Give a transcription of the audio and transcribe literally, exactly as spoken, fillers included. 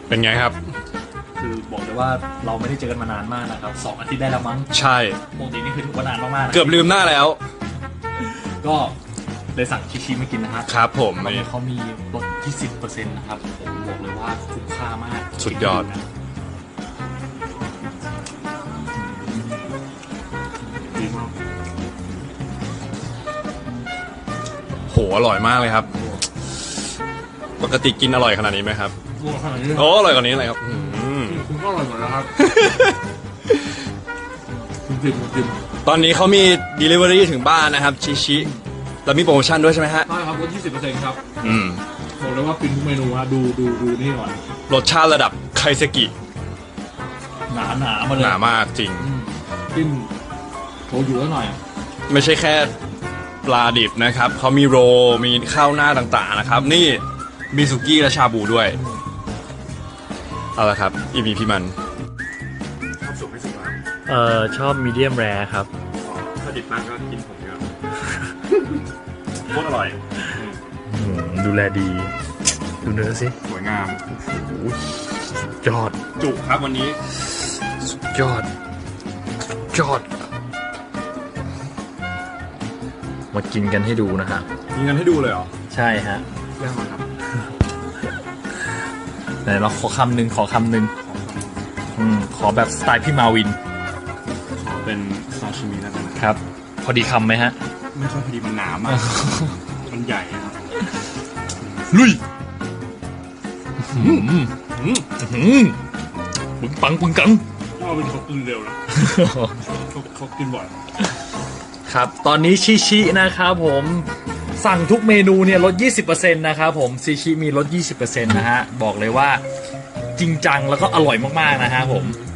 เป็นไงครับคือบอกเลยว่าเราไม่ได้เจอกันมานานมากนะครับสองอาทิตย์ได้แล้วมั้งใช่ปกตินี่คือถือว่านานมากๆเกือบลืมหน้าแล้วก็เลยสั่งชิชิมากินนะครับครับผมตอนนี้เขามีลดที่สิบเปอร์เซ็นต์นะครับผมบอกเลยว่าคุ้มค่ามากสุดยอดดีมากโหอร่อยมากเลยครับปกติกินอร่อยขนาดนี้ไหมครับโอ้อร่อยกว่านี้เลยครับคุณก็อร่อยหมดแล้วครับจริงจริงตอนนี้เขามี delivery ถึงบ้านนะครับชิชิแล้วมีโปรโมชั่นด้วยใช่ไหมฮะใช่ครับลด ยี่สิบเปอร์เซ็นต์ ครับอืมบอกเลยว่ากินทุกเมนูฮะดูดูดูนี่ก่อนรสชาติระดับไคเซกิหนาหนามาเลยหนามากจริงจิ้มโชยุแล้วหน่อยไม่ใช่แค่ปลาดิบนะครับเขามีโรมีข้าวหน้าต่างๆนะครับนี่มีสุกี้และชาบูด้วยเอาละครับอีพีพี่มันชอบสุกไม่สุกครับเอ่อชอบมีเดียมแรร์ครับถ้าดิบมากก็กินผมครับโคตรอร่อยดูแลดีดูเนื้อสิสวยงามยอดจุกครับวันนี้ยอดยอดมากินกันให้ดูนะฮะกินกันให้ดูเลยเหรอใช่ฮะเรื่องอะไรครับไหนเราขอคำหนึ่งขอคำหนึ่งอืมขอแบบสไตล์พี่มาวินขอเป็นซาชิมิแล้วกันครับพอดีคำไหมฮะไม่ค่อยพอดีมันหนามากมันใหญ่ครับลุยปึงปังปึงกังว่าเป็นเขากินเร็วนะเขากินบ่อยครับตอนนี้ชิชินะครับผมสั่งทุกเมนูเนี่ยลด ยี่สิบเปอร์เซ็นต์ นะครับผมชิชิมีลด ยี่สิบเปอร์เซ็นต์ นะฮะบอกเลยว่าจริงจังแล้วก็อร่อยมากๆนะฮะผม